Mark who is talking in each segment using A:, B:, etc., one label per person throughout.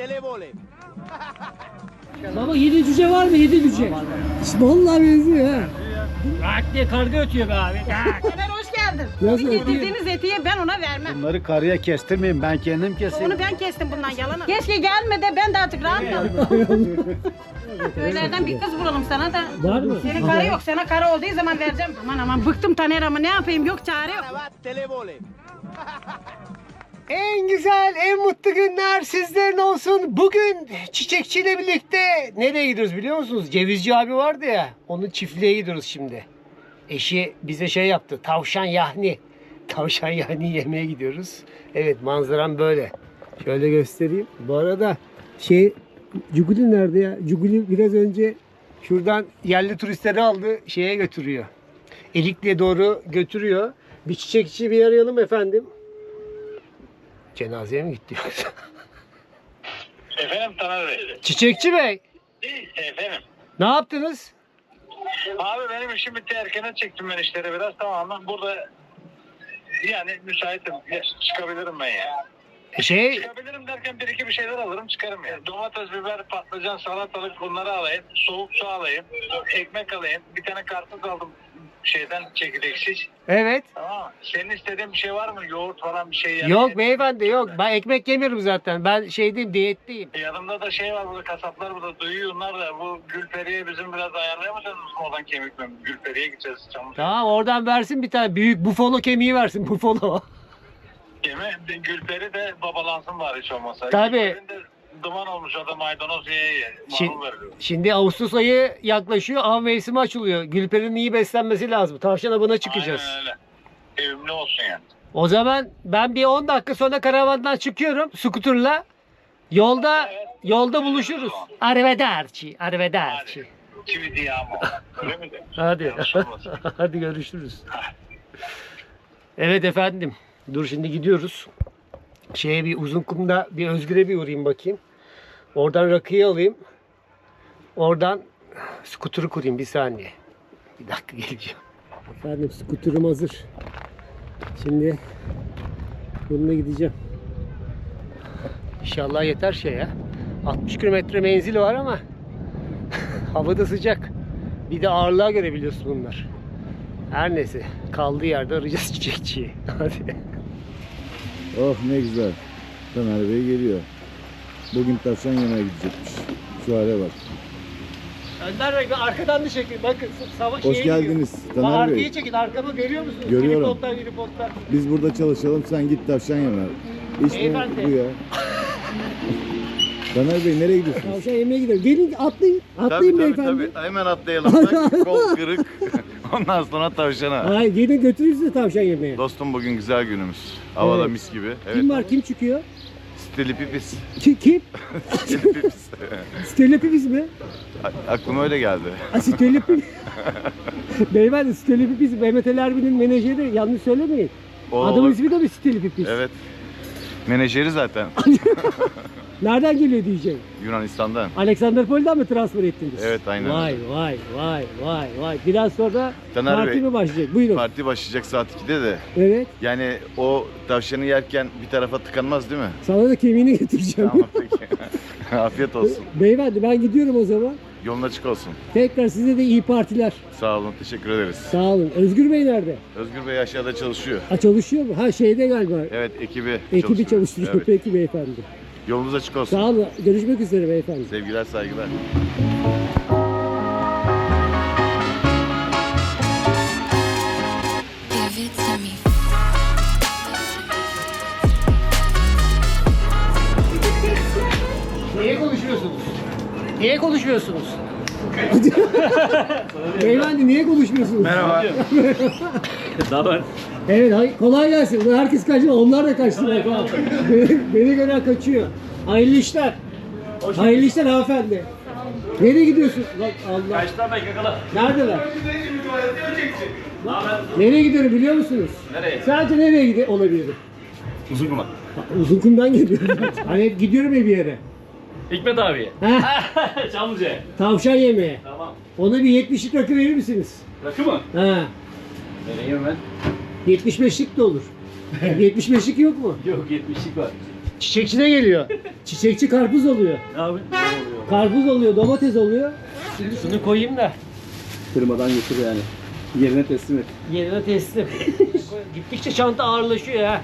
A: televole.
B: Baba 7 cüce var mı? 7 cüce. Vallahi benziyor ha.
C: Bak diye karga ötüyor be abi.
D: Ömer hoş geldin.
B: Nasıl
D: Bir
B: ötüyor?
D: getirdiğiniz etiye ben ona vermem.
A: Bunları karıya kestirmeyin, ben kendim keseyim.
D: Onu ben kestim bundan yalanı. Keşke gelme de ben de artık rahatladım. Köylerden bir kız bulalım sana da.
B: Var mı?
D: Senin karı yok. Sana karı olduğu zaman vereceğim. Aman bıktım Taner ama ne yapayım yok çare yok.
A: Televole.
B: En güzel, en mutlu günler sizlerin olsun. Bugün çiçekçiyle birlikte nereye gidiyoruz biliyor musunuz? Cevizci abi vardı ya, onun çiftliğe gidiyoruz şimdi. Eşi bize şey yaptı, tavşan yahni. Tavşan yahni yemeye gidiyoruz. Evet, manzaram böyle. Şöyle göstereyim. Bu arada Cuguli nerede ya? Cuguli biraz önce şuradan yerli turistleri aldı, şeye götürüyor. Elikli'ye doğru götürüyor. Bir çiçekçi bir arayalım efendim. Cenazeye mi gitti yoksa?
E: Efendim Taner Bey.
B: Çiçekçi Bey,
E: Efendim.
B: ne yaptınız?
E: Abi benim işim bitti, erkene çektim ben işleri biraz, tamamen burada yani müsaitim. Çıkabilirim ben ya. Çıkabilirim derken bir iki bir şeyler alırım çıkarım ya. Domates, biber, patlıcan, salatalık bunları alayım. Soğuk su alayım. Ekmek alayım. Bir tane karpuz aldım şeyden, çekirdeksiz.
B: Evet.
E: Tamam mı? Senin istediğin bir şey var mı? Yoğurt falan bir şey yani.
B: Yok beyefendi yok. Ben ekmek yemiyorum zaten. Ben diyetteyim.
E: Yanımda da şey var, burada kasaplar burada duyuyor, onlar da bu Gülperi'ye bizim biraz ayarlayamadınız mı oradan kemik mi? Gülperi'ye gideceğiz.
B: Tamam, oradan versin bir tane büyük bufalo kemiği versin, bufalo.
E: Yeme, Gülperi de babalansın bari hiç olmasa.
B: Tabii.
E: Gülperi'nin de duman olmuş, o da maydanoz ye. Marul veriyor.
B: Şimdi Ağustos ayı yaklaşıyor, av mevsimi açılıyor. Gülperinin iyi beslenmesi lazım. Tavşan avına çıkacağız.
E: Aynen öyle. Evimli olsun yani.
B: O zaman ben bir 10 dakika sonra karavandan çıkıyorum skuterla. Yolda buluşuruz. Arrivederci.
E: Hadi. Çivi diye ama. Öyle mi de?
B: Hadi.
E: Yanlış olmasın.
B: Hadi görüşürüz. Evet efendim. Dur şimdi gidiyoruz. Bir Uzunkum'da bir Özgür'e bir uğrayayım bakayım. Oradan rakıyı alayım. Oradan skuturu kurayım bir saniye. Bir dakika geleceğim. Efendim skuterum hazır. Şimdi bununla gideceğim. İnşallah yeter ya. 60 kilometre menzili var ama hava da sıcak. Bir de ağırlığa göre biliyorsun bunlar. Her neyse kaldığı yerde arayacağız çiçekçiyi. Hadi.
F: Oh ne güzel. Taner Bey geliyor. Bugün tavşan yemeye gidecekmiş. Şu hale bak.
B: Önder Bey arkadan da çekin. Bakın
F: Hoş geldiniz Taner Bey.
B: Arkayı çekin. Arkamı görüyor musunuz?
F: Görüyorum.
B: Helikopter.
F: Biz burada çalışalım, sen git tavşan yeme. İş mi
B: Beyefendi.
F: bu ya? Taner Bey nereye gidiyorsunuz?
B: Tavşan yemeye gidelim. Gelin atlayın. Atlayın beyefendi.
F: Hemen atlayalım. Bak, kol kırık. Ondan sonra tavşana.
B: Hayır gelin götürürüz size tavşan yemeye.
F: Dostum bugün güzel günümüz. Havada
B: Evet.
F: mis gibi.
B: Kim var? Kim çıkıyor?
F: Stelipipis.
B: Kim?
F: Stelipipis.
B: Stelopipis mi?
F: Aklıma öyle geldi.
B: Stelopipis. Beyefendi Stelopipis Mehmet Ali Erbil'in menajeri. Yanlış söylemeyin.
F: O
B: Adamın
F: olur.
B: ismi de mi Stelopipis?
F: Evet. Menajeri zaten.
B: Nereden geliyor diyeceğim.
F: Yunanistan'dan.
B: Alexanderpol'den mi transfer ettiniz?
F: Evet, aynen
B: Vay
F: öyle.
B: vay. Biraz sonra
F: Taner
B: parti
F: Bey,
B: mi başlayacak? Buyurun.
F: Parti başlayacak saat 2'de de.
B: Evet.
F: Yani o tavşanı yerken bir tarafa tıkanmaz değil mi?
B: Sana da kemiğini getireceğim.
F: Tamam peki. Afiyet olsun.
B: Beyefendi ben gidiyorum o zaman.
F: Yolun açık olsun.
B: Tekrar size de iyi partiler.
F: Sağ olun, teşekkür ederiz.
B: Sağ olun. Özgür Bey nerede?
F: Özgür Bey aşağıda çalışıyor.
B: Ha çalışıyor mu? Ha şeyde galiba.
F: Evet, ekibi
B: Çalıştırıyor.
F: Evet.
B: Peki beyefendi.
F: Yolunuz açık olsun.
B: Sağ olun. Görüşmek üzere beyefendi.
F: Sevgiler, saygılar.
G: Give it to me.
B: Niye konuşuyorsunuz? Niye konuşmuyorsunuz? Beyefendi niye konuşmuyorsunuz?
F: Merhaba.
B: Evet kolay gelsin. Herkes kaçtı. Onlar da kaçtılar. Beni gören kaçıyor. Hayırlı işler. Hayırlı işler hanımefendi. Nereye gidiyorsun? Lan Allah.
C: Kaçtan bek yakala.
B: Neredeler? Nereye gidiyorum biliyor musunuz?
C: Nereye?
B: Sadece nereye olabilirim?
C: Uzun kuma.
B: Uzunkum'dan geliyorum. Hani hep gidiyorum ya bir yere.
C: Hikmet abiye.
B: Heh,
C: Çamlıca.
B: tavşan yemeye.
C: Tamam.
B: Ona bir 70'lik rakı verir misiniz?
C: Rakı mı?
B: Ha.
C: Vereyim ben.
B: 75'lik de olur. 75'lik yok mu?
C: Yok 70'lik var.
B: Çiçekçi de geliyor. Çiçekçi karpuz oluyor.
C: Abi ne oluyor?
B: Karpuz oluyor, domates oluyor. Şimdi şunu koyayım da
C: Kırmadan götür yani. Yerine teslim et.
B: yerine teslim. Gittikçe çanta ağırlaşıyor ha.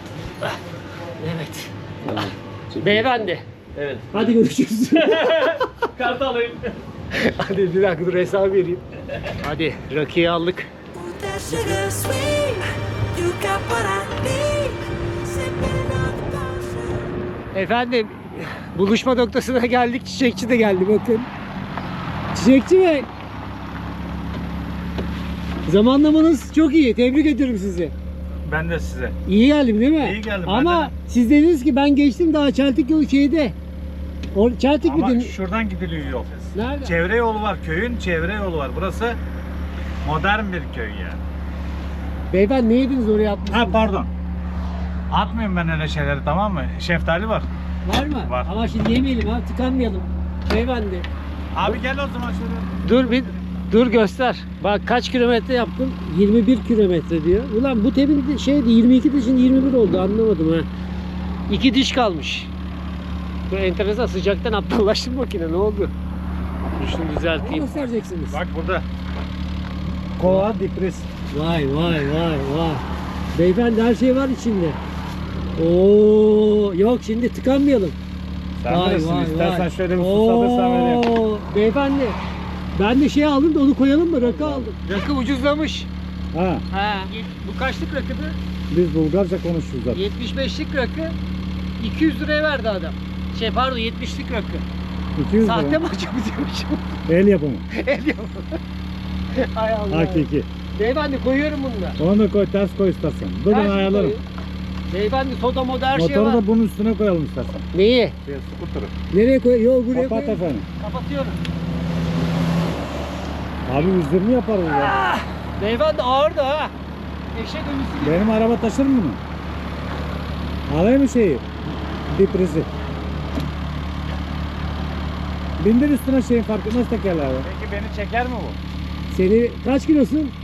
B: Evet.
C: Tamam.
B: Beyefendi.
C: Evet.
B: Hadi görüşürüz.
C: Kartı alayım.
B: Hadi bir dakika dur hesabı vereyim. Hadi rakıyı aldık.
G: That sugar sweet, you got what I need. Sipping on the potion.
B: Efendim buluşma noktasına geldik. Çiçekçi de geldi bakın. Çiçekçi Bey. Zamanlamanız çok iyi. Tebrik ediyorum sizi.
H: Ben de size.
B: İyi geldim değil mi?
H: İyi geldim,
B: Ama
H: ben de.
B: siz dediniz ki ben geçtim daha Çeltik yolu şeyde. Çeltik mi
H: Ama
B: dedin?
H: şuradan gidiliyor yol.
B: Nerede?
H: Çevre yolu var. Köyün çevre yolu var. Burası modern bir köy yani.
B: Beyefendi ne yediniz oraya atmışsınız?
H: Ha pardon. Atmayayım ben öyle şeyleri, tamam mı? Şeftali var.
B: Var mı?
H: Var.
B: Ama şimdi yemeyelim ha tıkanmayalım. Beyefendi.
H: Abi gel o zaman şöyle.
B: Dur göster. Bak kaç kilometre yaptım? 21 kilometre diyor. Ulan bu temin şeydi 22 dişin 21 oldu anlamadım ha. 2 diş kalmış. Bu enteresan sıcaktan aptallaştı makine ne oldu? Dur şunu düzelteyim. Göstereceksiniz.
H: Bak burada. Kova dipris.
B: Vay vay. Beyefendi her şey var içinde. Oo yok şimdi tıkanmayalım.
H: Sen bilirsin. İstersen şöyle bir susadırsan vereyim.
B: Beyefendi ben de şey aldım da onu koyalım mı? Rakı aldım. Rakı ucuzlamış.
F: Ha,
B: Ha. Bu kaçlık rakıdı?
F: biz Bulgarca konuşuyoruz zaten.
B: 75'lik rakı 200 liraya verdi adam. Şey pardon 70'lik rakı.
F: 200
B: Sahte
F: lira.
B: mi açabiliyormuşum?
F: El yapımı.
B: El yapımı. Ay Allah.
F: Hakiki.
B: Beyefendi koyuyorum bunu da.
F: Onu da koy, ters koy istersen. Dur
B: Her
F: ben
B: şeyi
F: ayarlarım.
B: koyuyorum. Beyefendi soda moda her şey
F: Motoru
B: var.
F: da bunun üstüne koyalım istersen.
B: Neyi?
H: Skuturu.
B: Nereye koy? Yok buraya
F: Kapat
B: koy.
F: efendim.
B: Kapatıyorum.
F: Abi 120 yaparız ya.
B: Beyefendi ağır da ha. Eşek ölüsü gibi.
F: Benim araba taşır mı bunu? Alayım mı şeyi? Diprisi. Bindir üstüne şeyin fark etmez tekerler abi.
H: Peki beni çeker mi bu?
B: Seni kaç kilosun?
H: 101.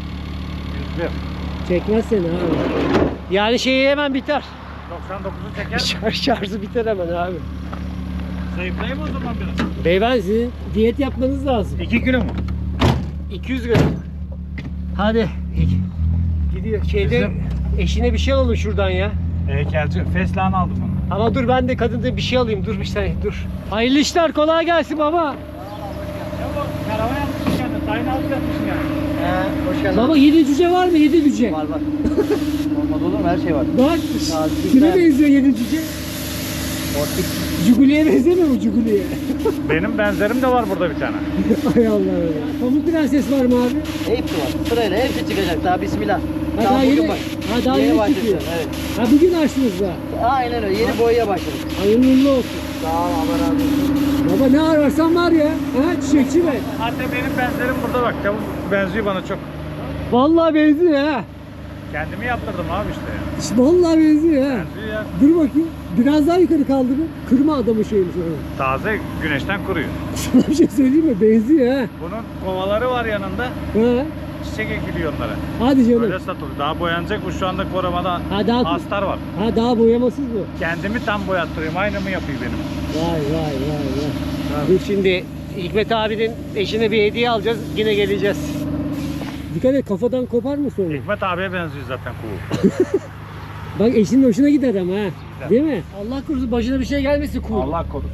B: Çekmez seni abi. Yani şeyi hemen biter.
H: 99'u çeker mi?
B: Şarjı biter hemen abi.
H: Zayıflayayım o zaman biraz.
B: Beyefendi sizin diyet yapmanız lazım.
H: 2 kilo mu?
B: 200 gram. Hadi. Gidiyor. Şeyde eşine bir şey alalım şuradan ya.
H: Heykelci. Feslan aldım onu.
B: Ama dur ben de kadında bir şey alayım. Dur bir saniye dur. Hayırlı işler kolay gelsin baba.
H: Ya bu karavan yapmışsın kendin. Tayin alıp yapmışsın yani.
A: Hoş geldin.
B: Baba 7 cüce var mı? 7 cüce.
A: Var. Olmaz olur mu? Her şey var.
B: Bak.
A: Taze
B: Kime
A: biber.
B: benziyor 7 cüce?
A: Ortik.
B: Cuguli'ye benzemiyor mu Cuguli'ye?
H: Benim benzerim de var burada bir tane.
B: Hay Allah. Pamuk Prenses var mı abi?
A: Hepsi var. Sırayla hepsi çıkacak daha bismillah.
B: Ha, daha yeni, ha, daha yeni
A: başlıyorsun,
B: çıkıyor.
A: Evet.
B: Ha bugün açtınız da.
A: Aynen öyle. Yeni boyaya başladık.
B: Hayırlı uğurlu olsun.
A: Sağ ol. Allah razı olsun.
B: Baba ne ararsan var ya. Ha çiçekçi mi?
H: Hatta benim benzerim burada bak. Tavuk benziyor bana çok.
B: Vallahi benziyor ha.
H: Kendimi yaptırdım abi işte ya.
B: İşte vallahi benziyor ha.
H: Benziyor ya.
B: Dur bakayım. Biraz daha yukarı kaldırın. Kırma adamı şeyini sonra.
H: Taze güneşten kuruyor.
B: Sana bir şey söyleyeyim mi? Benziyor ha.
H: Bunun kovaları var yanında.
B: Ha.
H: Çiçek ekiliyor onlara.
B: Hadi canım.
H: Öyle satılıyor. Daha boyanacak bu şu anda korumada.
B: Ha, daha-
H: Astar var.
B: Ha daha boyamasız mı?
H: Kendimi tam boyattırayım. Aynı mı yapıyor benim?
B: Vay. Dur şimdi Hikmet abinin eşine bir hediye alacağız. Yine geleceğiz. Dikkat et kafadan kopar mı sonra?
H: Hikmet abiye benziyor zaten kuğu.
B: Bak eşinin hoşuna gider ama ha. Değil mi? Allah korusun başına bir şey gelmesin kuğu.
H: Allah korusun.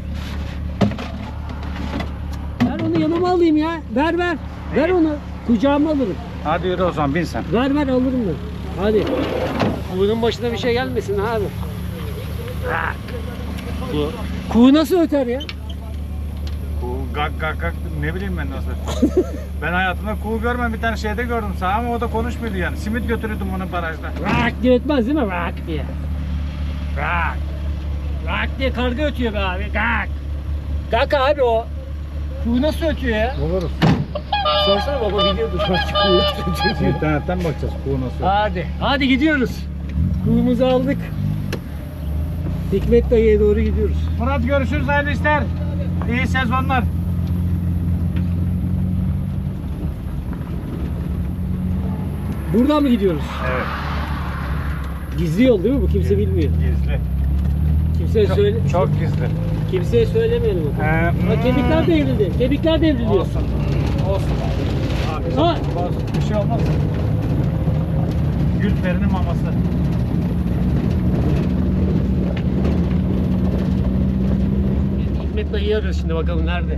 B: Ver onu yanıma alayım ya. Ver. Ver onu. Kucağıma alırım.
H: Hadi yürü o zaman bin sen.
B: Ver alırım ben. Hadi. Kuğunun başına bir şey gelmesin abi. Kuğu nasıl öter ya?
H: Kuğu gak ne bileyim ben nasıl. Ben hayatımda kuğu görmem, bir tane şeyde gördüm sağ ama o da konuşmuyordu yani. Simit götürüyordum onu barajda.
B: Rak diye ötmez değil mi? Rak diye. Rak. Rak diye karga ötüyor be abi. Gak. Gak abi o. Kuğu nasıl ötüyor ya?
F: Oluruz.
B: Sorsana baba biliyordu. Kuğu nasıl ötüyor.
F: İnternetten bakacağız kuğu nasıl.
B: Hadi gidiyoruz. Kuğumuzu aldık. Hikmet dayıya doğru gidiyoruz.
H: Murat görüşürüz, hayırlı işler. İyi sezonlar.
B: Buradan mı gidiyoruz?
H: Evet.
B: Gizli yol değil mi bu? Kimse bilmiyor.
H: Gizli.
B: Kimseye söyle.
H: Çok gizli.
B: Kimseye söylemeyelim o zaman. Bak kemikler devrildi. Kemikler devriliyor.
H: Olsun. Olsun. Abi,
B: Ha.
H: bir şey olmaz. Gülperi'nin maması.
B: Hikmet dayıyı arıyoruz şimdi, bakalım nerede?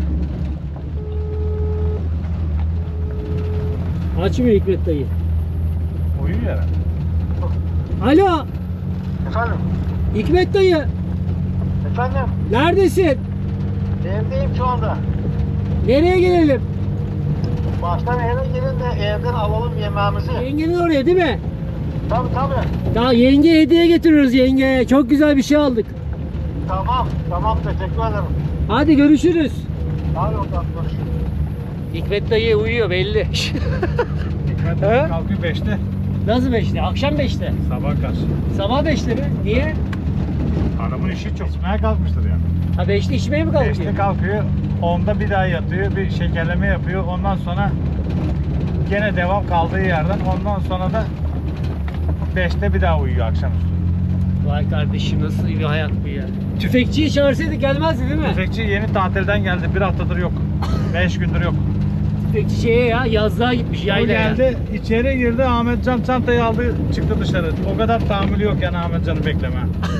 B: Açmıyor Hikmet dayı.
H: Uyuyor herhalde.
B: Alo
E: Efendim?
B: Hikmet dayı,
E: Efendim?
B: neredesin?
E: Evdeyim şu anda.
B: Nereye gelelim?
E: Baştan eve gelin de evden alalım yemeğimizi.
B: Yengenin oraya değil mi?
E: Tabii tabii.
B: Ya yenge hediye getiriyoruz yenge. Çok güzel bir şey aldık.
E: Tamam teşekkür ederim.
B: Hadi görüşürüz.
E: Hadi bakalım görüşürüz.
B: Hikmet dayı uyuyor belli.
H: Hikmet
B: He?
H: kalkıyor 5'te.
B: Nasıl 5'te? Akşam 5'te.
H: Sabah karşı.
B: Sabah 5'te mi? Niye?
H: Adamın işi çok. İçmeye kalkmıştır yani.
B: Ha 5'te içmeye mi kalkıyor?
H: 5'te kalkıyor. 10'da bir daha yatıyor. Bir şekerleme yapıyor. Ondan sonra gene devam kaldığı yerden. Ondan sonra da 5'te bir daha uyuyor akşamüstü.
B: Vay kardeşim, nasıl bir hayat bu ya. Tüfekçiyi çağırsaydık gelmezdi değil mi?
H: Tüfekçi yeni tatilden geldi. Bir haftadır yok. 5 gündür yok.
B: Tüfekçi şeye ya, yazlığa gitmiş
H: O
B: yaylaya.
H: geldi, içeri girdi. Ahmetcan çantayı aldı, çıktı dışarı. O kadar tahammülü yok yani Ahmetcan'ı bekleme.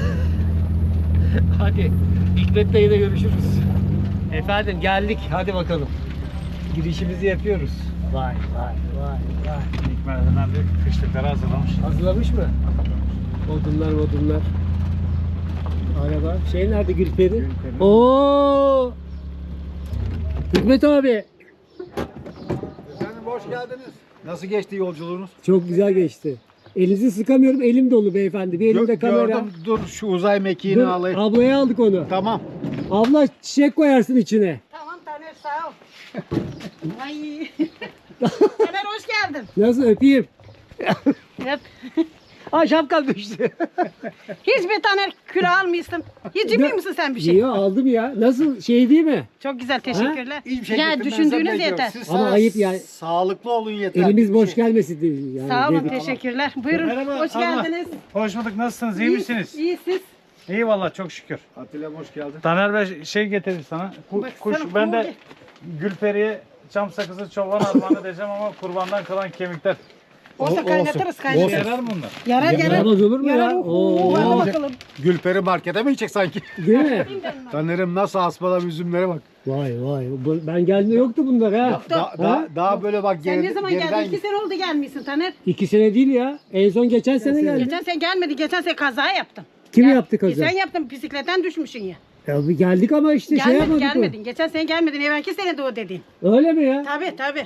B: Hadi Hikmet dayıyla görüşürüz. Efendim geldik, hadi bakalım. Girişimizi yapıyoruz. Vay.
H: Hikmet'den bir kışlıkları hazırlamış.
B: Hazırlamış mı? Odunlar. Araba. Şey nerede, Gülperi? Oo! Hikmet abi.
I: Efendim hoş geldiniz. Nasıl geçti yolculuğunuz?
B: Çok güzel geçti. Elinizi sıkamıyorum, elim dolu beyefendi. Bir elimde kamera.
I: Gördüm, dur şu uzay mekiğini
B: Dur,
I: alayım.
B: ablaya aldık onu.
I: Tamam.
B: Abla çiçek koyarsın içine.
D: Tamam Taner sağ ol. Ay. Taner hoş geldin.
B: Nasıl, öpeyim?
D: Yap.
B: Aa, şapkan düştü.
D: Hiçbir Taner küre almışsın. Hiç cimri misin sen bir şey?
B: Yok, aldım ya. Nasıl, şey değil mi?
D: Çok güzel teşekkürler.
I: Hiçbir şey
D: Ya
I: getirmenize
D: düşündüğünüz
I: gerek yok.
D: yeter.
I: Siz
B: Ama
I: sadece
B: ayıp yani.
I: Sağlıklı olun yeter.
B: Elimiz
I: Bir
B: boş
I: şey.
B: gelmesin diye. Yani
D: Sağ olun
B: dedik.
D: teşekkürler. Buyurun
H: Merhaba,
D: hoş
H: abla.
D: geldiniz.
H: Hoş bulduk, nasılsınız? İyi misiniz?
D: İyi siz.
H: İyi vallahi çok şükür.
I: Atilla hoş geldin.
H: Taner Bey şey getirdi sana. Kuş,
D: Baksana,
H: ben de
D: kuğu.
H: Gülperi'ye çam sakızı çoban armağanı diyeceğim ama kurbandan kalan kemikler.
D: Olsa kaynatırız
H: İşe
D: kaynatırız.
H: yarar mı bunlar?
D: Yarar yarar.
B: Yaramaz olur mu ya?
D: Yarar.
B: Oo.
D: Hadi bakalım.
I: Gülperi markete mi gidecek sanki?
B: Değil mi?
I: Taner'im nasıl asmalar üzümlere bak.
B: Vay. Ben geldiğimde yoktu bunlar ha.
I: Daha böyle bak
D: Sen ne zaman geldin? 2 sene oldu gelmişsin Taner.
B: 2 sene değil ya. En son geçen sene geldi.
D: Geçen sene gelmedin. Geçen sene kaza yaptın.
B: Kim
D: Ya,
B: yaptı kaza?
D: Sen yaptın. Bisikletten düşmüşsün ya.
B: Ya bir geldik ama işte şey yapmadık.
D: Gelmedin. Geçen sene gelmedin. Evvelki sene de o dediğin.
B: Öyle mi ya?
D: Tabii.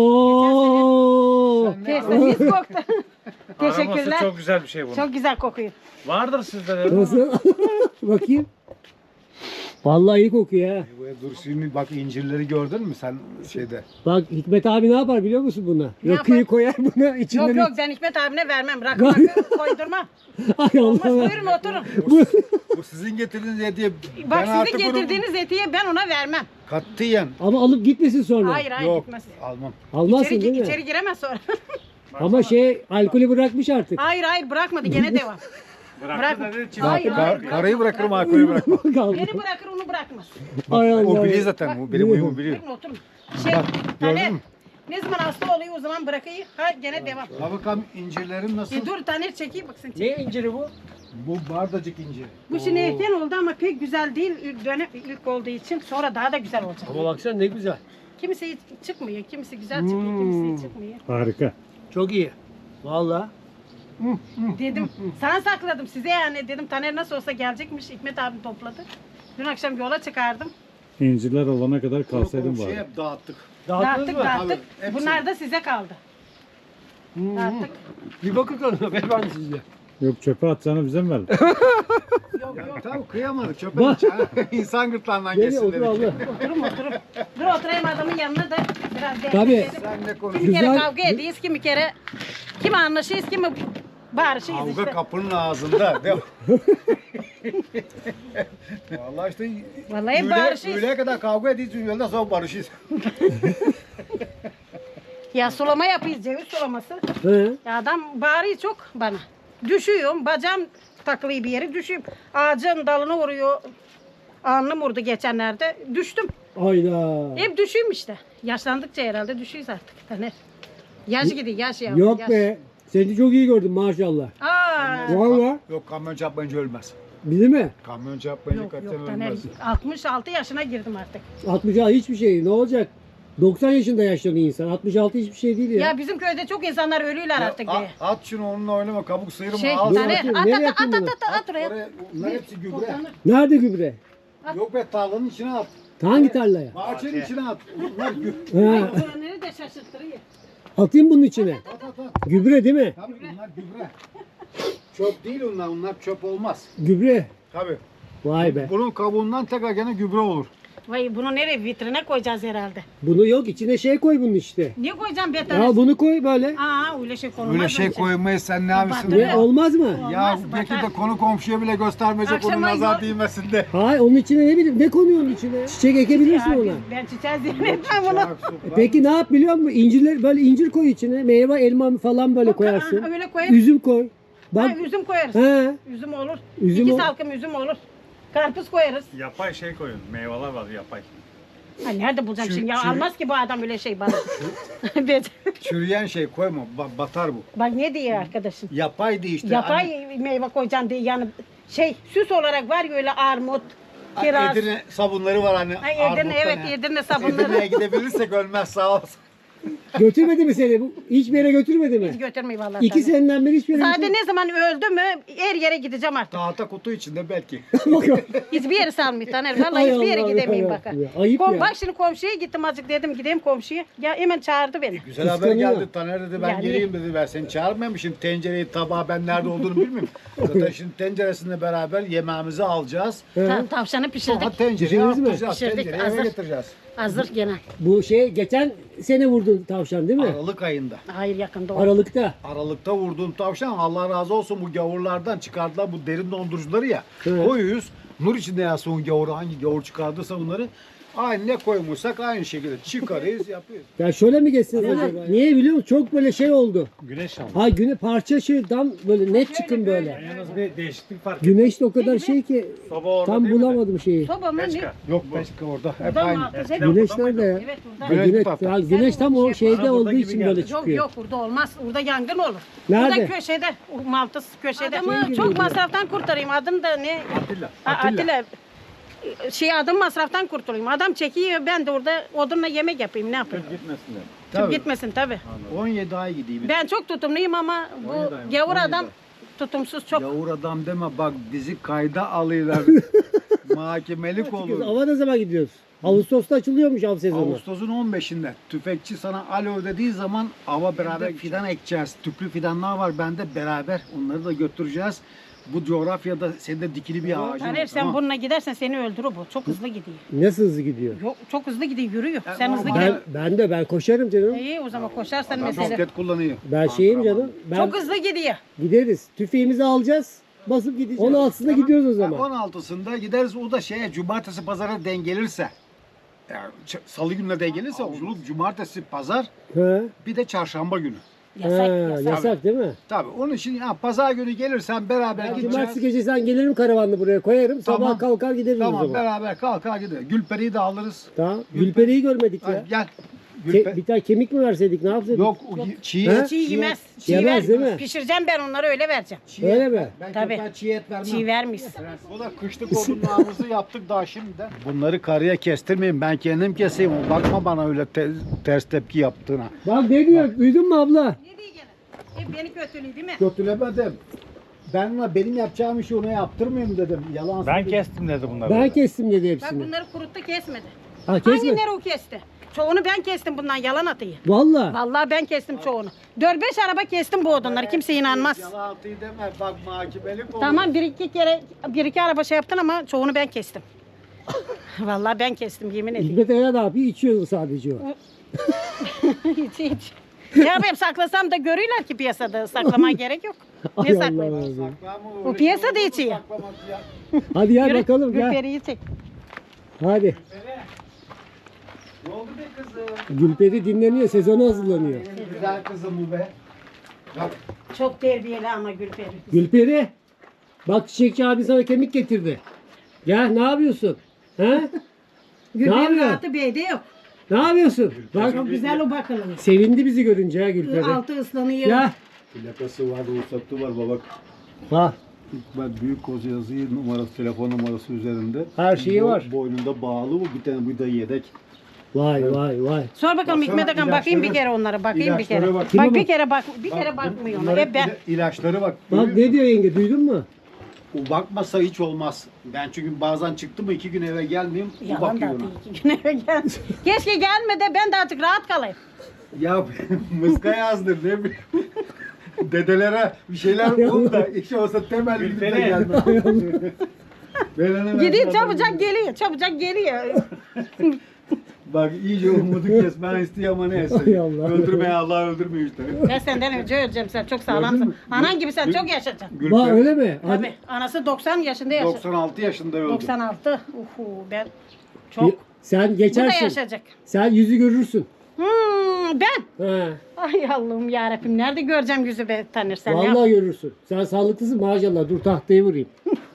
B: Oo.
D: Biz koktu.
H: Aroması
D: Teşekkürler.
H: çok güzel bir şey bu.
D: Çok güzel kokuyor.
H: Vardır sizde de.
B: Nasıl? Bakayım. Vallahi iyi kokuyor ha.
I: Dur şimdi bak incirleri gördün mü sen şeyde?
B: Bak Hikmet abi ne yapar biliyor musun buna?
D: Ne
B: Rakıyı
D: yapar?
B: koyar buna içinden.
D: Yok ben Hikmet abine vermem. Rakı koydurmam.
B: Ay
D: Olmaz
B: Allah.
D: buyurun oturun.
I: Bu sizin getirdiğiniz hediye.
D: Bak
I: artık
D: sizin
I: bunu
D: getirdiğiniz etiği ben ona vermem.
I: Katiyen.
B: Ama alıp gitmesin sonra.
D: Hayır
I: Yok
D: gitmez.
I: almam.
B: Almazsın değil mi?
D: İçeri giremez sonra.
B: Ama şey alkolü bırakmış artık.
D: Hayır bırakmadı gene devam.
H: Bıraktı
D: Bırak.
H: dedi.
D: Hayır.
I: Karayı bırakırım alkolü bırakmam.
B: Kaldı.
D: Beni bırakır onu bırakmaz.
B: Ay Allah.
I: O biliyor zaten. O benim uyumu biliyor.
D: Buyurun oturun. Şey,
I: gördün
D: Taner,
I: mü?
D: ne zaman hasta oluyor o zaman bırakayım. Ha gene devam.
I: Ha bakalım incirlerim nasıl?
D: Dur Taner çekeyim baksın.
B: Ne inciri bu?
I: Bu bardacık incir.
D: Bu şimdi erken oldu ama pek güzel değil. Dönem ilk olduğu için sonra daha da güzel olacak.
B: Ama baksana ne güzel.
D: Kimisi hiç çıkmıyor, kimisi güzel çıkıyor, kimisi hiç çıkmıyor.
H: Harika.
B: Çok iyi. Vallahi.
D: Dedim, sana sakladım size yani dedim Taner nasıl olsa gelecekmiş. Hikmet abim topladı. Dün akşam yola çıkardım.
C: İnciler olana kadar kalsaydım
I: Şey
C: bari.
I: hep dağıttık.
B: Dağıttınız mı?
D: Dağıttık.
I: Tabii, hepsini.
D: Bunlar da size kaldı. Dağıttık.
B: Bir bakın tadına beyefendi sizde.
C: Yok çöpe atacağını bize mi verdin?
D: Yok.
I: Tamam kıyamadık çöpe içeceğim. İnsan gırtlağından
B: Gel
I: geçsin
B: otur
I: dedik.
B: abla.
D: Oturun. Dur oturayım adamın yanına da biraz denk
B: Tabii.
D: gelelim.
I: Sen ne konuş?
D: Kimi kere
B: Güzel.
D: kavga ediyiz, kimi kere kimi anlaşıyız, kimi bağırışıyız
I: Kavga
D: işte.
I: kapının ağzında. Değil mi? Vallahi işte
D: Vallahi barışıyız.
I: öğleye kadar kavga ediyoruz, öğleden sonra barışıyız.
D: Ya sulama yapıyoruz, ceviz sulaması.
B: He.
D: Ya adam bağırıyor çok bana. Düşüyorum, bacağım takılı bir yeri düşeyim. Ağacın dalına vuruyor. Alnım vurdu geçenlerde. Düştüm.
B: Ayda.
D: Hep düşeyim işte. Yaşlandıkça herhalde düşüyoruz artık. Taner. Yaş gidiyor yaş ya.
B: Yok
D: yaş.
B: be. Seni çok iyi gördüm maşallah.
D: Aa,
B: Valla.
I: Yok kamyon çarpmayınca ölmez.
B: Bizi mi?
I: Kamyon çarpmayınca
D: yok
I: kaçtan
D: yok Taner.
I: ölmez.
D: 66 yaşına girdim artık.
B: 66 hiçbir şey. Ne olacak? 90 yaşında yaşlanıyor insan. 66 hiçbir şey değil ya.
D: Ya bizim köyde çok insanlar ölüyorlar artık diye.
I: At şunu onunla oynama kabuk sıyırma
D: Şey,
I: al.
D: Taner
B: atayım,
D: at
B: nereye
D: at at
B: atayım
D: at at oraya.
I: Oraya, bunlar hepsi gübre.
D: Toplanır.
B: Nerede gübre?
I: Yok be tarlanın içine at.
B: Hangi tarlaya?
I: Bahçenin içine at. Bunlar gübre.
B: Ha,
D: Öğrenleri de şaşırttırıyor.
B: atayım bunun içine.
I: At at at.
B: Gübre değil mi?
I: Tabii bunlar gübre. Çöp değil onlar çöp olmaz.
B: Gübre.
I: Tabii.
B: Vay be.
I: Bunun kabuğundan tekrar gene gübre olur.
D: Vay bunu nereye vitrine koyacağız herhalde.
B: Bunu yok içine şey koy bunun işte.
D: Niye koyacağım bir
B: Ya
D: tane?
B: bunu koy böyle.
D: Aa öyle şey konulmaz.
I: Öyle şey
D: öyle
I: koymayız sen ne yapıyorsun?
D: Batırır.
B: Ne olmaz mı?
I: Ya
D: Olmaz,
I: belki
D: batar.
I: de konu komşuya bile göstermeyecek onun
D: Akşama
I: nazar
D: yok.
I: değmesin de.
B: Hayır onun içine ne bileyim ne konuyor onun içine? Çiçek ekebilirsin
D: Ya
B: ona.
D: ben çiçeği zannetmem bunu.
B: Peki ne yap biliyor musun? İncirler böyle incir koy içine. Meyve, elma falan böyle koyarsın.
D: Öyle koyayım.
B: Üzüm koy. Bak.
D: Ha, üzüm koyarız.
B: He.
D: Üzüm olur.
B: Üzüm
D: İki
B: ol-
D: salkım üzüm olur. Karpuz koyarız.
H: Yapay şey koyun. Meyveler var yapay.
D: Ha, nerede bulacağım şimdi ya? Almaz ki bu adam öyle şey bana.
I: Çürüyen şey koyma batar bu.
D: Bak ne diyor arkadaşım?
I: Yapay değil işte.
D: Yapay meyve koyacaksın diye yani şey süs olarak var ya öyle armut,
I: Hani
D: kiraz.
I: Edirne sabunları var hani.
D: Ay, Edirne
I: armuttan
D: evet
I: ha.
D: Edirne sabunları.
I: Edirne'ye gidebilirsek ölmez sağ olsun.
B: Götürmedi mi seni? Hiçbir yere götürmedi mi?
D: Hiç götürmeyin vallahi.
B: 2
D: sana.
B: seneden beri hiçbir yere
D: Zaten ne zaman öldü mü her yere gideceğim artık.
I: Tahta kutu içinde belki.
B: götürmedi.
D: Hiçbir yere salmıyor Taner. Vallahi
B: Ay
D: hiçbir yere
B: Allah,
D: gidemeyim
B: ya
D: baka.
B: ya. Ayıp ya.
D: Bak şimdi komşuya gittim azıcık dedim gideyim komşuya. Ya hemen çağırdı beni.
I: Güzel haber
B: Kıskanıyor.
I: geldi. Taner dedi ben
D: Yani-
I: geleyim dedi. Ben seni çağırmamışım. Tencereyi tabağı ben nerede olduğunu bilmiyorum. Zaten şimdi tenceresinde beraber yemeğimizi alacağız.
D: Tavşanı pişirdik.
I: Sonra tencereyi
B: Pişirdiniz mi?
I: yapacağız.
D: Pişirdik,
I: Tencereyi
D: hazır.
I: eve getireceğiz.
D: Hazır gene.
B: Bu şey geçen sene vurdun tavşan değil mi?
I: Aralık ayında.
D: Hayır yakında oldu.
B: Aralıkta.
I: Aralıkta vurduğum tavşan Allah razı olsun bu gavurlardan çıkardılar bu derin dondurucuları ya.
B: Evet.
I: Koyuyoruz. Nur içinde yansın o gavuru hangi gavur çıkardıysa bunları. Aynı ne koymuşsak aynı şekilde çıkarıyoruz yapıyoruz.
B: Ya şöyle mi geçsin acaba? Niye biliyor musun? Çok böyle şey oldu.
H: Güneş aldı.
B: Ha güne parça şeyden böyle net çıkın böyle.
H: Yalnız bir değişiklik fark
B: Güneş de o kadar şey ki
H: Soba orada
B: tam
H: değil mi?
B: bulamadım şeyi.
D: Soba mı ne?
H: Beşka.
I: Yok Beşika orada. Hep
D: Burada mı
I: aynı.
D: altı? Hep-
B: Güneş nerede ya?
D: Evet burada.
B: Ha,
I: Güneş
B: güneş,
I: bu tarafta.
B: ya güneş tam o şeyde
H: Bana
B: olduğu
H: burada
B: için
H: gibi
B: böyle
H: geldi.
D: Yok
B: çıkıyor.
D: yok burada olmaz. Burada yangın olur.
B: Nerede?
D: Burada köşede. O Maltız köşede.
B: Şey gibi
D: Çok
B: diyor.
D: masraftan kurtarayım. Adım da ne?
I: Atilla.
D: Atilla. Şey adım masraftan kurtulayım. Adam çekiyor ben de orada odunla yemek yapayım ne yapayım.
H: Gitmesinler.
D: Tüp gitmesin tabi.
I: 17 ay gideyim.
D: Ben çok tutumluyum ama bu gavur adam tutumsuz çok.
I: Yavur adam deme bak bizi kayda alıyorlar. Mahkemelik olur.
B: Ava ne zaman gidiyoruz? Ağustos'ta açılıyormuş av sezonu.
I: Ağustos'un 15'inde tüfekçi sana alo dediği zaman ava beraber fidan ekeceğiz. Tüplü fidanlar var bende beraber onları da götüreceğiz. Bu coğrafyada senin de dikili bir ağacın
D: Taner
I: var,
D: sen
I: tamam.
D: bununla gidersen seni öldürür bu. Çok hızlı gidiyor.
B: Nasıl hızlı gidiyor?
D: Yok, çok hızlı gidiyor yürüyor.
I: Ya
D: Sen hızlı
I: normal.
D: gidiyorsun.
B: Ben koşarım canım.
D: İyi o zaman koşarsan
I: Adam
D: mesele.
I: bisiklet kullanıyor.
B: Ben şeyim canım. Ben
D: Çok hızlı gidiyor.
B: gideriz. Tüfeğimizi alacağız. Basıp gideceğiz. 16'sında gidiyoruz o zaman.
I: 16'sında gideriz o da şeye cumartesi pazara denk gelirse. Yani salı gününe denk gelirse avcılık cumartesi pazar
B: He.
I: bir de çarşamba günü.
D: Yasak
B: Ha,
D: yasak.
B: yasak değil mi?
I: Tabii onun için ya pazar günü gelirsen beraber
B: Ben
I: gideceğiz.
B: cumartesi gecesi sen gelirim karavanla buraya koyarım. Sabah
I: Tamam.
B: kalkar gideriz o
I: Tamam
B: zaman.
I: beraber kalkar gideriz. Gülperi'yi de alırız.
B: Tamam. Gülperi'yi görmedik ya.
I: Hadi gel. Gülperi.
B: Bir tane kemik mi verseydik ne yapsaydık?
I: Yok çiğ
B: He?
I: et.
D: Çiğ yemez. Çiğ
B: Yemez değil mi?
D: Pişireceğim ben onları öyle vereceğim.
B: Öyle mi?
I: Ben
D: Tabii.
I: köpeğe çiğ et vermem.
D: Çiğ vermiş.
I: Bu da kışlık odunlarımızı yaptık daha şimdiden. Bunları karıya kestirmeyin. Ben kendim keseyim. Bakma bana öyle ters tepki yaptığına.
B: Bak ne diyor? Duydun mu abla?
D: Ne diye gene? Hep beni kötülüğü değil mi?
I: Kötülemedim. Benim yapacağım işi ona yaptırmayayım dedim. Yalan
H: Ben
I: söyleyeyim.
H: kestim dedi bunları.
B: Ben kestim dedi
D: Bak
B: hepsini.
D: bunları kuruttu kesmedi.
B: Ha kesme.
D: Hangileri o kesti? Çoğunu ben kestim bundan yalan atıyı.
B: Valla.
D: Vallahi ben kestim çoğunu. 4-5 araba kestim bu odunları. Kimse inanmaz.
I: Yalan atıyı deme. Bak mahkemelik olur.
D: Tamam bir iki araba şey yaptın ama çoğunu ben kestim. Vallahi ben kestim yemin ediyorum.
B: Hikmet Aya ne yapıyor? İçiyor sadece o.
D: hiç. Ne yapayım saklasam da görüyorlar ki piyasada. Saklamaya gerek yok.
B: Ay
D: Ne
B: Allah
D: saklayayım?
B: Allah.
I: Saklama,
D: O
I: öyle
D: piyasa
I: şey
D: da
I: olur mu
D: içiyor.
I: saklamak ya?
B: Hadi gel
D: Yürü,
B: bakalım gel.
D: Gülperi'yi çek.
B: Hadi.
I: Ne oldu be kızım?
B: Gülperi dinleniyor. Sezona hazırlanıyor.
I: Güzel kızım bu be. Bak
D: Çok terbiyeli ama Gülperi.
B: Gülperi. Bak Çiçekçi abi sana kemik getirdi. Gel ne yapıyorsun? He?
D: Gülper'in
B: yapıyorsun?
D: rahatı beyde yok.
B: Ne yapıyorsun? Bak
D: Çok güzel o bakalım.
B: sevindi bizi görünce ha Gülperi.
D: Altı ıslanıyor.
B: Ya.
F: Plakası var, ruhsatı var baba.
B: Ha.
F: Ben büyük koz yazıyı numarası, telefon numarası üzerinde.
B: Her şeyi var.
F: Boynunda bağlı bu, bir tane bu da yedek.
B: Vay vay vay.
D: Sor bakalım Hikmet Akan, bakayım bir kere onlara, bakayım bir kere.
F: ilaçlara bak.
D: Bak,
B: Kime
D: bir
B: bak?
D: kere bak, bir kere bakmıyor ona. Hep ben.
F: İlaçları bak.
B: Bak ne diyor yenge duydun mu?
I: O bakmasa hiç olmaz. Ben çünkü bazen çıktım mı 2 gün eve gelmeyeyim. O
D: Yalan
I: bakıyor
D: da
I: ona.
D: değil, 2 gün eve gel. Keşke gelme de ben de artık rahat kalayım.
I: Ya mıska yazdır ne bileyim. Dedelere bir şeyler bul da iş olsa temel gidip de gelmez.
D: Gidiyor çabucak geliyor, çabucak geliyor.
I: Bak iyice umudu kes. Ben isteyeyim ama neyse.
B: Hay Allah.
I: Öldürmeye Allah öldürmüyor işte.
D: Ben senden önce öleceğim, sen çok sağlamsın. Anan gibi sen çok yaşayacaksın.
B: Bak öyle mi? Hadi.
D: Tabii, anası 90 yaşında yaşadı.
I: 96 yaşında öldü.
D: 96. Ben çok.
B: Sen
D: Bu da
B: geçersin.
D: yaşayacak.
B: Sen yüzü görürsün.
D: Ben.
B: He.
D: Ay Allah'ım yarabbim, nerede göreceğim yüzü be tanırsan ya.
B: Vallahi görürsün. Sen sağlıklısın maşallah. Dur tahtayı vurayım.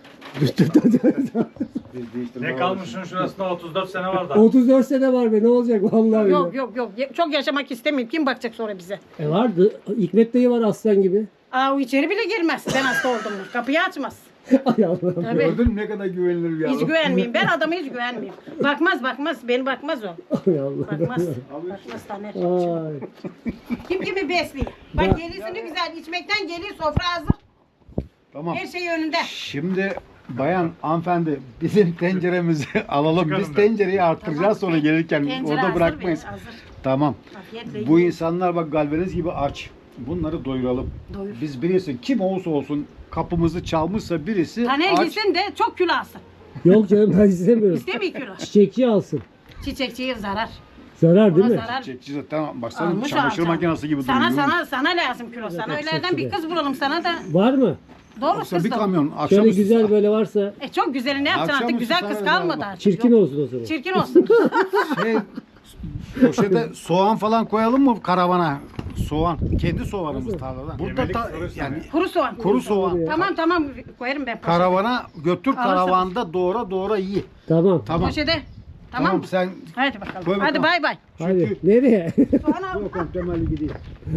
H: Ne kalmışın şurasında 34 sene var da.
B: 34 sene var be ne olacak vallahi.
D: Yok yok yok, çok yaşamak istemiyorum. Kim bakacak sonra bize?
B: Vardı. Hikmet dayı var aslan gibi.
D: Aa, o içeri bile girmez ben hasta oldum mu. Kapıyı açmaz.
B: Ay Allah'ım.
D: Tabii.
I: Gördün mü ne kadar güvenilir bir
D: Hiç
I: adam.
D: güvenmeyeyim. Ben adama hiç güvenmeyeyim. Bakmaz. Beni bakmaz o.
B: Ay Allah.
D: Bakmaz. Bakmaz Taner.
B: Ay.
D: Kim kimi besliyor. Bak gelirse ne güzel. içmekten geliyor, sofra hazır.
I: Tamam.
D: Her şey önünde.
I: Şimdi bayan hanımefendi bizim tenceremizi alalım.
H: Çıkarın
I: Biz
H: ben.
I: tencereyi arttıracağız sonra gelirken
D: Tencere
I: orada
D: hazır
I: bırakmayız.
D: be, hazır.
I: Tamam.
D: Afiyetle
I: Bu
D: yiyin.
I: insanlar bak galvaniz gibi aç. Bunları doyuralım.
D: Doyur.
I: Biz birisi kim olursa olsun kapımızı çalmışsa birisi
D: Taner
I: aç.
D: gitsin de çok kilo alsın.
B: Yok canım ben istemiyorum.
D: İstemiyor kilo.
B: Çiçekçi alsın.
D: Çiçekçiye zarar.
B: Zarar değil
D: Ona
B: mi?
D: zarar.
I: Çiçekçi zaten baksana
D: Almış
I: çamaşır
D: alacağım.
I: makinesi gibi duruyor.
D: Sana lazım kilo. Sana öylelerden bir kız bulalım sana da.
B: Var mı?
D: Doğru
I: Yoksa
D: kız
I: bir
D: da.
I: kamyon akşam
B: Şöyle
I: üstü-
B: güzel böyle varsa
D: Çok güzeli ne yapacaksın
I: Akşam
D: artık?
I: üstü
D: Güzel kız
I: sana
D: kalmadı
I: ver
D: artık.
B: çirkin
D: Yok.
B: olsun o zaman.
D: Çirkin olsun.
I: Şey, poşete soğan falan koyalım mı karavana? Soğan. Kendi soğanımız tarladan. Burada
H: Yemelik
I: da
H: soruyorsun
I: yani
D: Kuru soğan.
I: kuru soğan.
D: Tamam koyarım ben poşete.
I: Karavana götür
D: Alırsanız.
I: karavanda doğra iyi.
B: Tamam.
I: Tamam.
D: Poşete. Tamam mı?
I: Sen
D: Hadi bakalım.
I: Koy
D: Hadi
I: bakalım.
D: bay bay.
B: Hadi. Nereye?
D: Soğan al.
I: temelli gidiyor.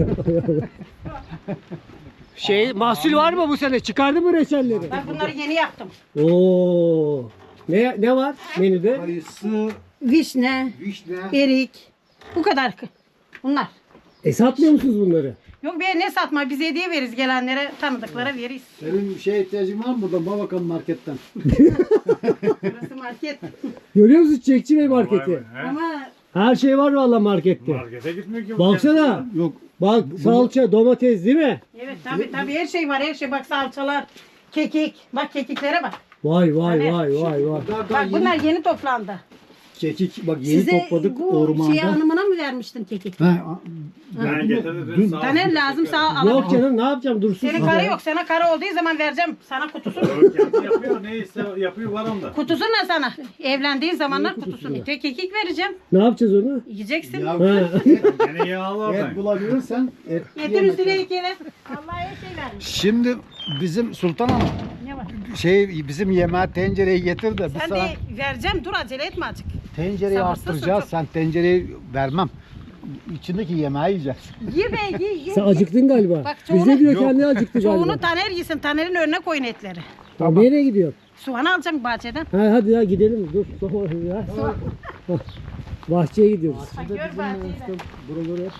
B: Mahsul var mı bu sene? Çıkardı mı reçelleri?
D: Bak bunları yeni yaptım.
B: Oo. Ne var menüde?
I: Kayısı,
D: Vişne,
I: vişne.
D: erik. Bu kadar. Bunlar.
B: Satmıyor musunuz bunları?
D: Yok be, ne satma, biz hediye veririz gelenlere, tanıdıklara veririz.
I: Senin bir şeye ihtiyacın var mı buradan? Bak bakalım marketten.
D: Burası market.
B: Görüyor musun Çiçekçi Bey marketi?
H: He?
D: Ama
B: Her şey var valla markette.
H: Markete gitmiyor ki. bu
B: Baksana.
I: Yok.
B: Bak salça, domates değil mi?
D: evet tabii her şey var, her şey. Bak salçalar, kekik. Bak kekiklere bak.
B: Vay vay
D: Evet.
B: vay vay vay.
D: Bak bunlar yeni toplandı.
I: Kekik bak yeni
D: Size
I: topladık
D: bu
I: ormanda.
D: şey hanımına mı vermiştin kekik?
H: Ben getirdim. Sağ ol.
D: Taner lazım sağ
B: Yok
D: alabilir.
B: canım ne yapacağım dursun.
D: Senin karı yok. Sana karı olduğu zaman vereceğim. Sana kutusunu.
H: Kendi yapıyor neyse yapıyor var onda.
D: Kutusunu da sana. Evlendiğin zamanlar
B: kutusunu?
D: kutusunu. Kekik vereceğim.
B: Ne yapacağız onu?
D: Yiyeceksin.
B: Ha.
H: Gene yağlı
I: Et
H: oradan.
I: bulabilirsen et.
D: Yeter üstüne iki kere. Allah'a her şey vermiş.
I: Şimdi bizim Sultan Hanım
D: Ne var?
I: bizim yemeğe tencereyi getir de biz
D: Sen
I: sana
D: de vereceğim. Dur acele etme azıcık.
I: tencereyi
D: sabırsızsın
I: arttıracağız.
D: çok.
I: Sen tencereyi vermem. İçindeki yemeği yiyeceğiz.
D: Ye be ye.
B: Sen acıktın galiba.
D: Bak,
B: Bizde
D: çoğunu-
B: diyor
I: Yok.
B: kendi acıktı galiba.
D: Çoğunu Taner yesin. Taner'in önüne koyun etleri.
B: Tamam. Nereye gidiyor?
D: Soğan alacağım bahçeden.
B: Ha, hadi ya gidelim. Dur. Ya. Bahçeye gidiyoruz.
D: Bak gör bahçeyi de.
B: Buraları hep.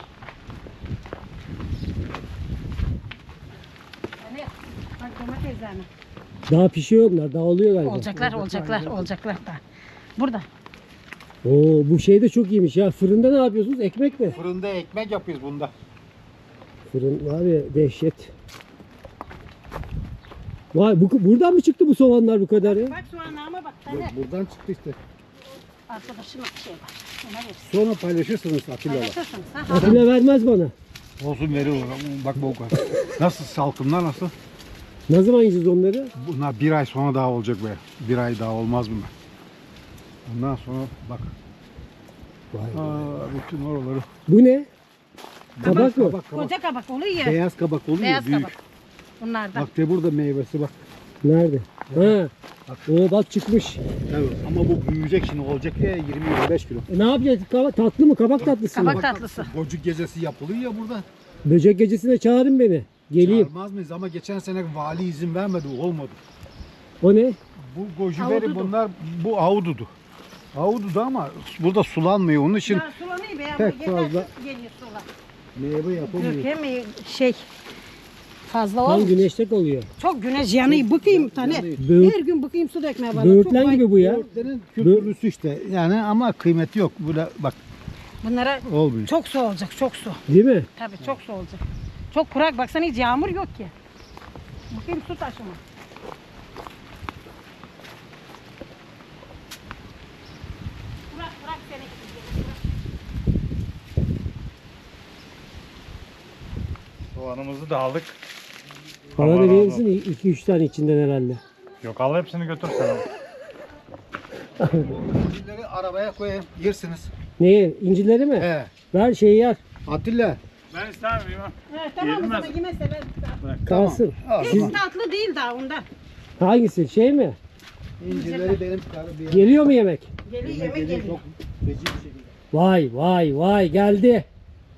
D: Taner, bak domateslerini.
B: Daha pişiyor onlar. Daha oluyor galiba.
D: Olacaklar da. Burada.
B: Oo bu şey de çok iyiymiş ya. Fırında ne yapıyorsunuz? Ekmek mi?
I: Fırında ekmek yapıyoruz bunda.
B: Fırın var ya dehşet. Vay buradan mı çıktı bu soğanlar bu kadar ya?
D: Bak soğanlarıma bak Taner.
I: Buradan çıktı işte.
D: Arkadaşın bir şey var. Ona versin.
I: Sonra paylaşırsınız Atilla'la.
D: Paylaşırsınız. Ha?
B: Atilla vermez bana.
I: Olsun veriyor. Bak bu kadar. Nasıl salkımlar nasıl?
B: Ne zaman yiyeceğiz onları?
I: Bunlar bir ay sonra daha olacak be. Bir ay daha olmaz bunlar. Ondan sonra bak. Bütün oraları.
B: Bu ne? Kabak mı?
I: Kabak.
D: Koca kabak oluyor ya.
I: Beyaz kabak oluyor
D: Beyaz
I: büyük.
D: kabak. Bunlardan.
I: Bak de burada meyvesi bak.
B: Nerede? Ha. O bak çıkmış.
I: Evet, ama bu büyüyecek şimdi olacak ya 20-25 kilo.
B: Ne yapacağız? Tatlı mı? Kabak tatlısı mı?
D: Kabak tatlısı.
I: Gocuk gecesi yapılıyor ya burada.
B: Böcek gecesine çağırın beni. Geleyim.
I: Çağırmaz mıyız ama geçen sene vali izin vermedi, olmadı.
B: O ne?
I: Bu gojiberi
D: Ahududu.
I: bunlar, bu ahududu. Ahududu ama burada sulanmıyor, onun için
D: Ya sulanıyor be ya.
I: pek
D: yeter
I: fazla
D: geliyor sular.
I: meyve yapılmıyor.
D: Ülke mi şey fazla
B: Tam
D: olmuş.
B: güneşte oluyor.
D: Çok güneş yanıyor. Bıkayım tane.
B: Böğürt-
D: Her gün bıkayım su dökmeye bana.
B: Böğürtlen
D: Çok
B: gibi bu ya.
I: Böğürtlerin kültürlüsü işte yani ama kıymeti yok. Böyle bak
D: Bunlara
I: olmuyor.
D: çok su olacak, çok su.
B: Değil mi?
D: Tabii çok su olacak. Çok kurak, baksana hiç yağmur yok ki. Bakayım su taşıma. Kurak kurak sene
H: Soğanımızı da aldık.
B: Bana
H: Allah
B: da verir
H: razı
B: misin? 2-3 tane içinden herhalde.
H: Yok al hepsini götür sen.
I: Gojiberi arabaya koyayım, yersiniz.
B: Neyi? İncileri mi?
I: He.
B: Ver şeyi yer.
I: Atilla.
H: Ben istemiyorum.
D: Evet, tamam o
H: Yedin
D: zaman
H: mi?
D: yemezse ben...
B: Kalsın.
D: Hiç tatlı değil daha ondan.
B: Hangisi? Şey mi?
I: İncileri benim karı bir
B: Geliyor mu yemek?
D: Geliyor yemek geliyor.
I: çok feci bir şekilde.
B: Vay vay vay geldi.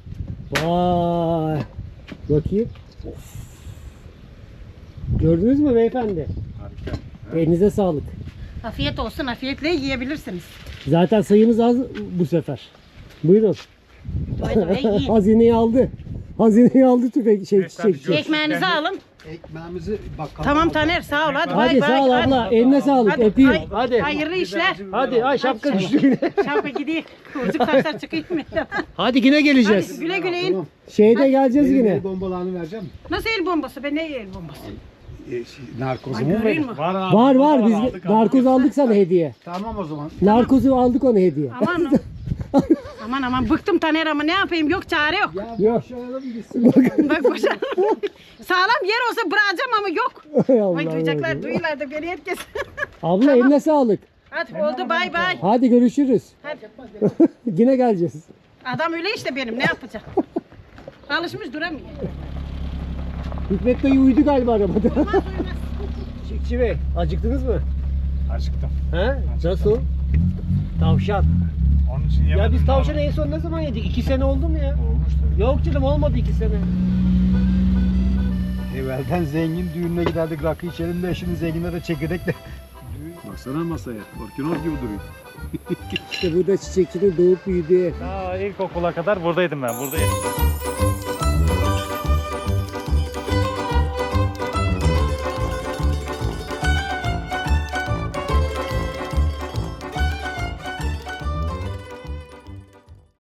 B: Vay. Bakayım. Of. Gördünüz mü beyefendi?
H: Harika.
B: Elinize sağlık.
D: Afiyet olsun, afiyetle yiyebilirsiniz.
B: Zaten sayımız az bu sefer. Buyurun.
D: Buyurun ve yiyin.
B: Hazineyi aldı. Hazineyi aldı tüfek şey
H: Evet, tabii,
B: çiçekçi.
H: görüşürüz.
D: Ekmeğinizi alın.
I: Ekmeğimizi bakalım.
D: Tamam Taner, sağ ol. Hadi,
B: Hadi
D: bay bay.
B: sağ ol
D: Hadi.
B: abla. Eline sağlık.
D: Hadi,
B: Öpeyim.
D: ay-
B: Hadi.
D: Hayırlı işler.
B: Hadi ay şapka düştü yine.
D: Şapka gidiyor. Kıvırcık saçlar çıkıyor mu?
B: Hadi yine geleceğiz.
D: Hadi güle güle in.
I: Tamam.
B: Şeyde geleceğiz
I: Benim
B: yine.
I: el bombalarını vereceğim mi?
D: Nasıl el bombası? Ben ne el bombası?
I: Narkozu
D: Ay
I: mu
D: göreyim
I: verin?
D: mi?
H: Var abi.
B: Var var
H: burada
B: biz
H: aldık,
B: narkoz aldık sana hediye.
I: Tamam o zaman.
B: Narkozu aldık ona hediye.
D: Aman aman aman bıktım Taner ama ne yapayım yok çare yok.
I: Ya
B: Yok.
I: boşayalım gitsin.
D: Bak boşa. Sağlam yer olsa bırakacağım ama yok.
B: Hay Allah
D: Vay duyacaklar
B: Allah.
D: duyuyorlar da beni herkes.
B: Abla eline sağlık.
D: Hadi oldu bay bay.
B: Hadi görüşürüz.
D: Hadi.
B: Yine geleceğiz.
D: Adam öyle işte benim ne yapacak? Alışmış duramıyor.
B: Hikmet dayı uyudu galiba arabada.
D: Olmaz uyumaz.
B: Çiftçi Bey acıktınız mı?
H: Acıktım.
B: He? Nasıl? Tavşan.
H: Onun için yemedim.
B: Ya biz
H: de
B: tavşanı
H: ama-
B: en son ne zaman yedik? 2 sene oldu mu ya?
H: Olmuştu.
B: Yok canım olmadı 2 sene.
I: Evvelden zengin düğününe giderdik, rakı içelim de şimdi zenginlere çekirdek de. Baksana masaya, orkinoz gibi duruyor.
B: İşte burada çiçekçinin doğup büyüdüğü.
H: Daha ilkokula kadar buradaydım ben. Buradayım.